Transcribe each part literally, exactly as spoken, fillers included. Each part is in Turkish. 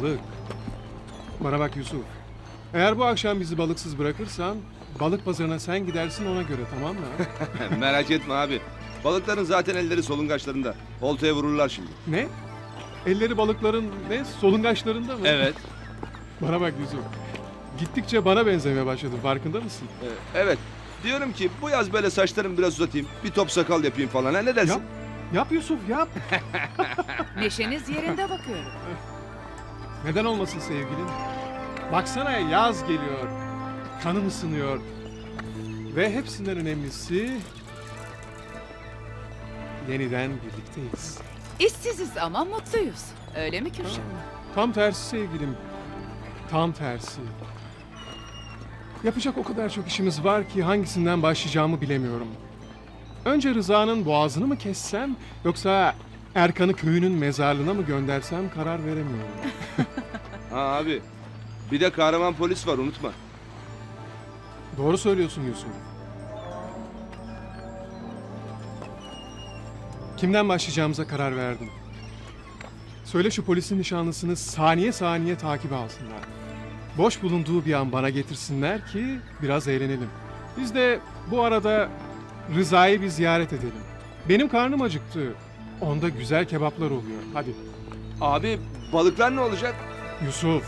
balık. Bana bak Yusuf. Eğer bu akşam bizi balıksız bırakırsan balık pazarına sen gidersin ona göre, tamam mı? Merak etme abi. Balıkların zaten elleri solungaçlarında. Oltaya vururlar şimdi. Ne? Elleri balıkların ne? Solungaçlarında mı? Evet. Bana bak Yusuf. Gittikçe bana benzemeye başladın, farkında mısın? Ee, evet. Diyorum ki bu yaz böyle saçlarımı biraz uzatayım. Bir top sakal yapayım falan. Ha, ne dersin? Yap. Yap Yusuf yap. Neşeniz yerinde bakıyorum. Neden olmasın sevgilim? Baksana yaz geliyor. Kanım ısınıyor. Ve hepsinden önemlisi... Yeniden birlikteyiz. İşsiziz ama mutluyuz. Öyle mi Kürşat? Tam tersi sevgilim. Tam tersi. Yapacak o kadar çok işimiz var ki hangisinden başlayacağımı bilemiyorum. Önce Rıza'nın boğazını mı kessem yoksa Erkan'ı köyünün mezarlığına mı göndersem karar veremiyorum. Ha abi. Bir de kahraman polis var, unutma. Doğru söylüyorsun Yusuf. Kimden başlayacağımıza karar verdim. Söyle şu polisin nişanlısını saniye saniye takibe alsınlar. Boş bulunduğu bir an bana getirsinler ki biraz eğlenelim. Biz de bu arada Rıza'yı bir ziyaret edelim. Benim karnım acıktı. Onda güzel kebaplar oluyor. Hadi. Abi balıklar ne olacak? Yusuf.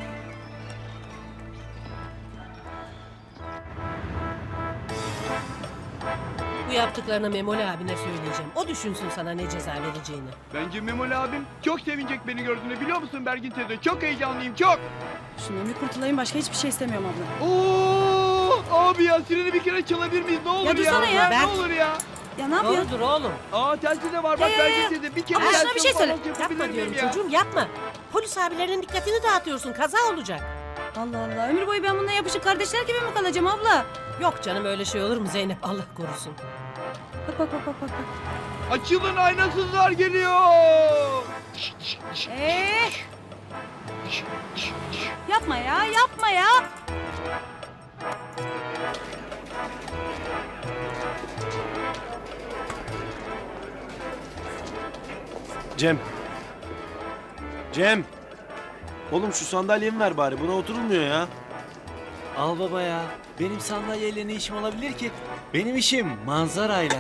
Bu yaptıklarını Memoli abine söyleyeceğim. O düşünsün sana ne ceza vereceğini. Bence Memoli abim çok sevinecek beni gördüğünü, biliyor musun Bergin teyze? Çok heyecanlıyım, çok. Şundan bir kurtulayım, başka hiçbir şey istemiyorum abla. Oo, abi ya sireni bir kere çalabilir miyiz? Ne olur ya. dursana ya. Ne Berk. olur ya. Ya ne yapıyorsun? Doğrudur oğlum. Aa telsiz de var bak Ya, ya, Bergin ya. teyze. Bir kere Ama şuna telsiz bir şey söyle. falan yapabilir Yapma miyim diyorum ya? çocuğum yapma. Polis abilerinin dikkatini dağıtıyorsun. Kaza olacak. Allah Allah, ömür boyu ben bununla yapışık kardeşler gibi mi kalacağım abla? Yok canım öyle şey olur mu Zeynep? Allah korusun. Bak bak bak bak bak. Açılın, aynasızlar geliyor. Eee! Yapma ya, yapma ya. Cem. Cem. Oğlum şu sandalyemi ver bari. Buna oturulmuyor ya. Al baba ya. Benim sandalyeyle ne işim olabilir ki? Benim işim manzarayla.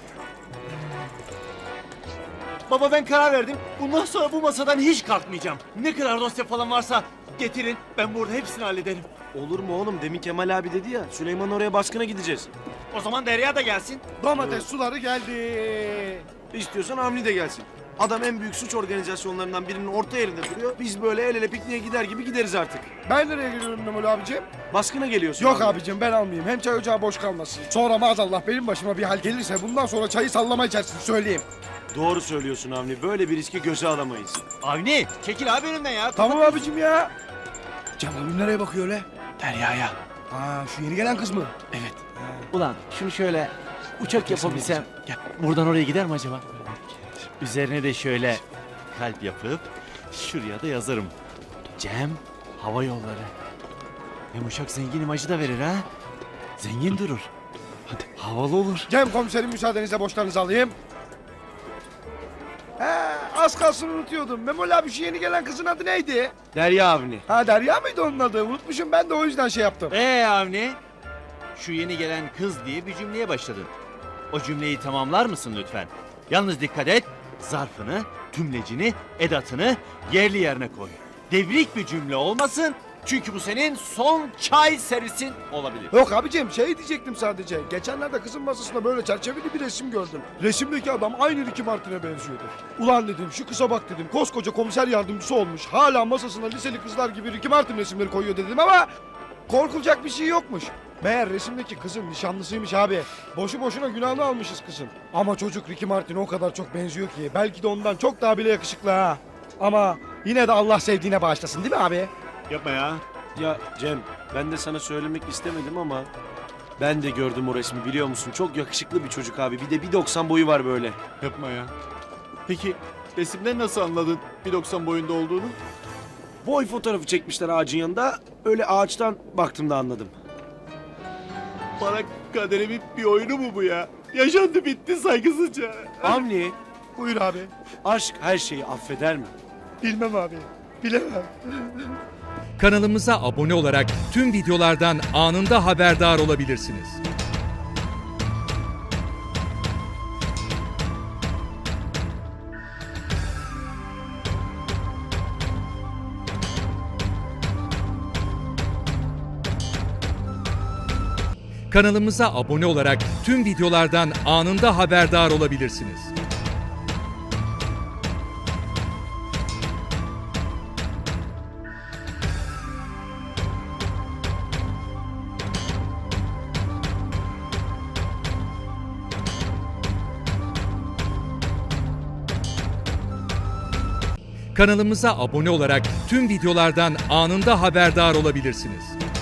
Baba ben karar verdim. Bundan sonra bu masadan hiç kalkmayacağım. Ne kadar dosya falan varsa getirin. Ben burada hepsini hallederim. Olur mu oğlum? Demin Kemal abi dedi ya. Süleyman oraya baskına gideceğiz. O zaman Derya da gelsin. Domates suları geldi. İstiyorsan Avni de gelsin. Adam en büyük suç organizasyonlarından birinin orta yerinde duruyor. Biz böyle el ele pikniğe gider gibi gideriz artık. Ben nereye geliyorum Memoli abicim? Baskına geliyorsun. Yok abi. abicim ben almayayım. Hem çay ocağı boş kalmasın. Sonra maazallah benim başıma bir hal gelirse bundan sonra çayı sallama içersin, söyleyeyim. Doğru söylüyorsun Avni. Böyle bir riski göze alamayız. Avni çekil abi önümden ya. Tamam abicim ya. Cem abim nereye bakıyor öyle? Derya'ya. Aa şu yeni gelen kız mı? Evet. Ulan şunu şöyle uçak yapabilsem. Ya, buradan oraya gider mi acaba? Üzerine de şöyle kalp yapıp şuraya da yazarım. Cem Hava Yolları. Hem uçak zengin imajı da verir ha. Zengin durur. Hadi havalı olur. Cem komiserim müsaadenizle borçlarınızı alayım. He, az kalsın unutuyordum. Memoli abi şu yeni gelen kızın adı neydi? Derya Avni. Ha Derya mıydı onun adı? Unutmuşum ben de o yüzden şey yaptım. Ee Avni? Şu yeni gelen kız diye bir cümleye başladın. O cümleyi tamamlar mısın lütfen? Yalnız dikkat et. Zarfını, tümlecini, edatını yerli yerine koy. Devrik bir cümle olmasın. Çünkü bu senin son çay servisin olabilir. Yok abicim şey diyecektim sadece. Geçenlerde kızın masasında böyle çerçeveli bir resim gördüm. Resimdeki adam aynı Ricky Martin'e benziyordu. Ulan dedim şu kıza bak dedim. Koskoca komiser yardımcısı olmuş. Hala masasına liseli kızlar gibi Ricky Martin resimleri koyuyor dedim ama... Korkulacak bir şey yokmuş. Meğer resimdeki kızın nişanlısıymış abi. Boşu boşuna günahını almışız kızın. Ama çocuk Ricky Martin'e o kadar çok benziyor ki. Belki de ondan çok daha bile yakışıklı ha. Ama yine de Allah sevdiğine bağışlasın değil mi abi? Yapma ya. Ya Cem, ben de sana söylemek istemedim ama ben de gördüm o resmi, biliyor musun? Çok yakışıklı bir çocuk abi. Bir de bir doksan boyu var böyle. Yapma ya. Peki resimden nasıl anladın bir doksan boyunda olduğunu? Boy fotoğrafı çekmişler ağacın yanında. Öyle ağaçtan baktım da anladım. Bana kaderimin bir oyunu mu bu ya? Yaşandı bitti saygısızca. Avni, Buyur abi. aşk her şeyi affeder mi? Bilmem abi. Bilemem. Kanalımıza abone olarak tüm videolardan anında haberdar olabilirsiniz. Kanalımıza abone olarak tüm videolardan anında haberdar olabilirsiniz. Kanalımıza abone olarak tüm videolardan anında haberdar olabilirsiniz.